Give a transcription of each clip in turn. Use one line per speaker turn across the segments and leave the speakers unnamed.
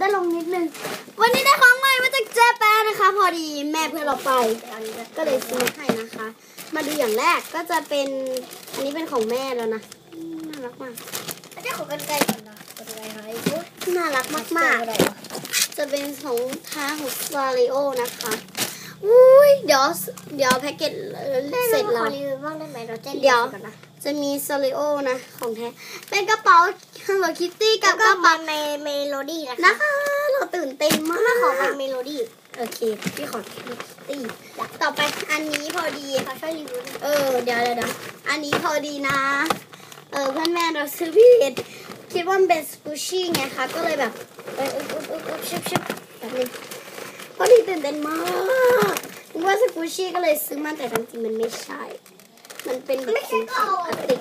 ต้นลงนิดนึงวันนี้ได้ของใหม่มาจากเจแปนนะคะพอดีแม่เพื่อนเราไปก็เลยซื้อให้นะคะมาดูอย่างแรกก็จะเป็นอันนี้เป็นของแม่แล้วนะน่ารักมาก
จะขอกันไกลก่อนนะกันไกลหาย
น่ารักมากๆจะเป็นของท้าของซาริโอนะคะอุ้ยเดี๋ยวแพ็กเกจเสร็จแล้วเดี๋ยวจะมีซาริโอนะของแท้เป็นกระเป๋า Hello Kitty กับกระเป๋า
เมโลดี้
นะคะเราตื่นเต้นมาก
ขอเป็นเมโลดี้
โอเคพี่ขอตีต่อไปอันนี้พอดี
ค่ะช่วยรีวิว
เดี๋ยวอันนี้พอดีนะเพื่อนแม่เราซื้อผิดคิดว่ามันเป็นสกูชี่ไงคะก็เลยแบบชิบแบบนี้พอดีตื่นเต้นมากนึกว่าสกูชี่ก็เลยซื้อมาแต่จริงๆมันไม่ใช่มันเป็นแบบพลาสติก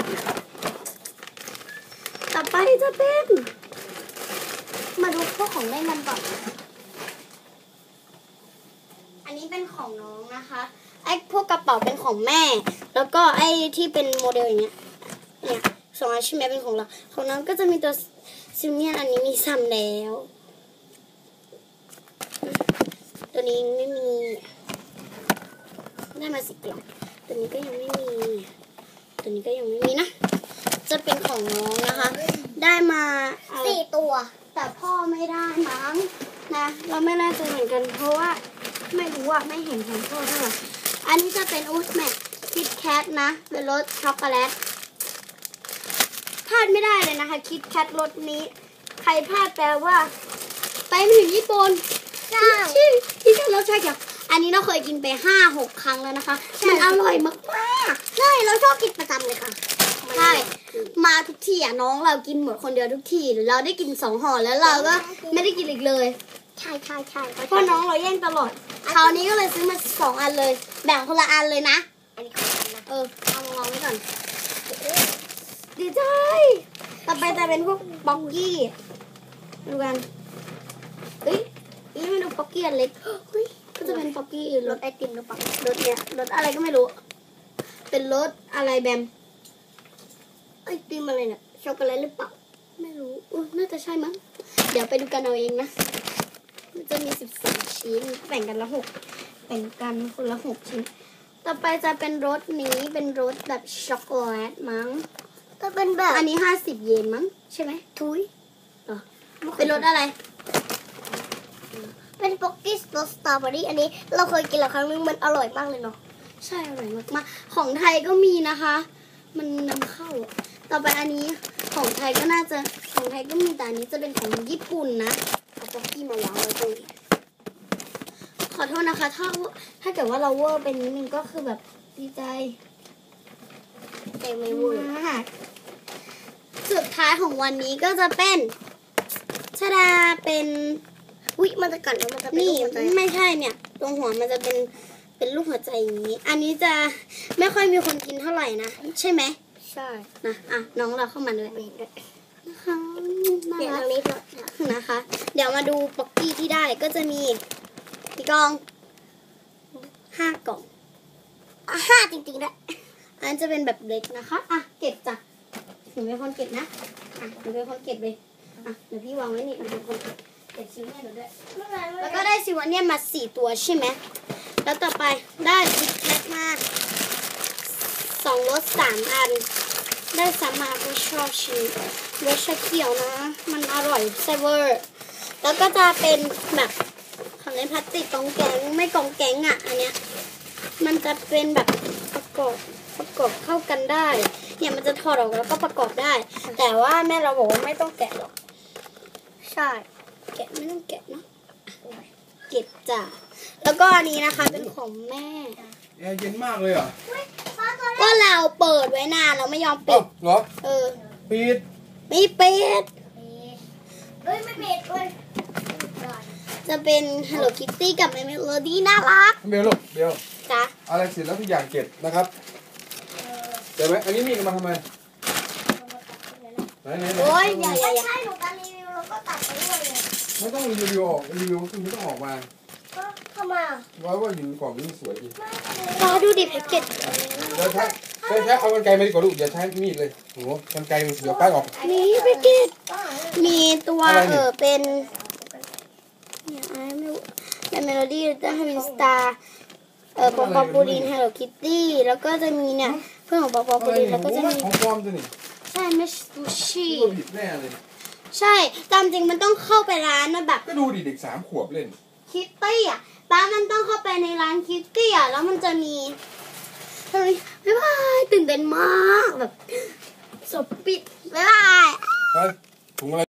ต่อไปจะเป็นมาดูพวกของเล่นกันก่อนอันนี้เป็นของน้องนะคะไอ้พวกกระเป๋าเป็นของแม่แล้วก็ไอ้ที่เป็นโมเดลอย่างเงี้ยเนี่ยสองอันใช่ไหมเป็นของเราของน้องก็จะมีตัวซิมเนียนอันนี้มีซ้ำแล้วตัวนี้ไม่มีได้มา10 กล่องตัวนี้ก็ยังไม่มีตัวนี้ก็ยังไม่มีนะจะเป็นของน้องนะคะได้มา
4 ตัว
แต่พ่อไม่ได้มั้งนะเราไม่น่าจะเหมือนกันเพราะว่าไม่รู้อะไม่เห็นของพ่อเท่าไหร่อันนี้จะเป็นอูสแมทคิดแคทนะเป็นรสช็อกโกแลตพลาดไม่ได้เลยนะคะคิดแคทรสนี้ใครพลาดแปลว่าไปไม่ถึงญี่ปุ่น
ใช่
ที่แค่รสชาติเดียวอันนี้เราเคยกินไป5-6 ครั้งแล้วนะคะมันอร่อยมาก
ๆใช่เราชอบกินประจำเลยค่ะ
ใช่มาทุกทีอ่ะน้องเรากินหมดคนเดียวทุกทีเราได้กิน2 ห่อแล้วเราก็ไม่ได้กินอีกเลย
ใช่
เพราะน้องเราแย่งตลอดคราวนี้ก็เลยซื้อมา2 อันเลยแบ่งคนละอันเลยนะ
อันนี้ของนะ
เอามาวางไว้ก่อนดีใจต่อไปจะเป็นพวกบ็อกกี้ดูกันนี่มาดูบ็อกกี้อันเล็กก็จะเป็นบ็อกกี้
รสไอติมหรือเปล่าร
สเนี่ยรสอะไรก็ไม่รู้เป็นรสอะไรแบม
ไอติมอะไรเนี่ยช็อกโกแลตหรือเปล่า
ไม่รู้น่าจะใช่มั้งเดี๋ยวไปดูกันเอาเองนะมันจะมี14 ชิ้นแบ่งกันละ6แบ่งกันคนละ6 ชิ้นต่อไปจะเป็นรสนี้เป็นรสแบบช็อกโกแลตมั้ง
ก็เป็นแบบ
อันนี้50 เยนมั้งใช่ไหม
ทุย
เป็นรสอะไร
เป็นป๊อกกี้รสสตรอเบอรี่อันนี้เราเคยกินแล้วครั้งนึงมันอร่อยมากเลยเนาะ
ใช่อร่อยมากๆของไทยก็มีนะคะมันนำเข้าต่อไปอันนี้ของไทยก็น่าจะของไทยก็มีแต่อันนี้จะเป็นของญี่ปุ่นนะเอาป๊อกกี้มาวางไว้ตรงนี้ขอโทษนะคะถ้าเกิดว่าเราเวอร์เป็นนิดนึงก็คือแบบดีใจ
แต่ไม่เวอร์
สุดท้ายของวันนี้ก็จะเป็นชดาเป็น
มันจะกัดแล้วมันจะ
นี่ไม่ใช่เนี่ยตรงหัวมันจะเป็นลูกหัวใจอย่างนี้อันนี้จะไม่ค่อยมีคนกินเท่าไหร่นะใช่ไหม
ใช่
นะน้องเราเข้ามาด้วยนะคะ
เดี๋ยวนี้
นะคะเดี๋ยวมาดูป๊อกกี้ที่ได้ก็จะมีกี่กล่อง5 กล่อง
5จริงๆด้วย
อันจะเป็นแบบเล็กนะคะเก็บจ้ะหนูเป็นคนเก็บนะหนูเป็นคนเก็บเลยเดี๋ยวพี่วางไว้นี่หนูเป็นคนเก็บชิ้นให้หนูด้วยแล้วก็ได้ซิวาเนี่ยมา4 ตัวใช่ไหมแล้วต่อไปได้คิดแคทมา2 รส 3 อันได้ซ้ำมาก็ชอบชิ้นรสชาเขียวนะมันอร่อยเซเวอร์แล้วก็จะเป็นแบบของเล่นพลาสติกกองแกงไม่กองแกงอันเนี้ยมันจะเป็นแบบประกอบเข้ากันได้เนี่ยมันจะถอดออกแล้วก็ประกอบได้แต่ว่าแม่เราบอกว่าไม่ต้องแกะหรอก
ใช่
แกะไม่ต้องแกะเนาะเก็บจ้ะแล้วก็อันนี้นะคะเป็นของแม่
แอร์เย็นมากเลยอ่ะ
ก็เราเปิดไว้นานเราไม่ยอมปิด
เหรอปิด
ไม่ปิด
ไม่ปิดด้วย
จะเป็น Hello Kitty กับ Melody น่ารัก
เบลลูกเบล
จ้ะ
อะไรเสร็จแล้วทุกอย่างเก็บนะครับเดี๋ยวไหมอันนี้มีดมาทำไมไหน
โอ้ยอย่า
ใช่หนูการรีวิวแล้วก็ตัดไปด้วยเลย
ไม่ต้องรีวิวออกรีวิวคือไม่ต้องออกมา
ทำไม
ว่าอยู่กล่องนี้สวยดี
ดูดิแพ็กเกจ
เดี๋ยวใช้เอากรรไกรมาดีกว่าลูกอย่าใช้มีดเลยโอ้กรรไกรมันเดี๋ยวป้ายออก
นี่แพ็กเกจมีตัวเป็นมโลดี้ลิตเติ้ลฮาวินสตาร์ปอปอปูลิน Hello Kitty แล้วก็จะมีเนี่ยเพื่อนของปอปอปูลินแล้วก็จะมี
ของปลอมตัวนี่
ใช่ไม่ซูชิ
ตัวผิดแน่เลย
ใช่ตามจริงมันต้องเข้าไปร้านนะแบบ
ก็ดูดิเด็ก3 ขวบเล่น
คิตตี้อ่ะป้ามันต้องเข้าไปในร้านคิตตี้อ่ะแล้วมันจะมีเฮ้ยบ๊ายบายตื่นเต้นมากแบบสบปิดบ๊ายบาย
เฮ้ยถุงอะไร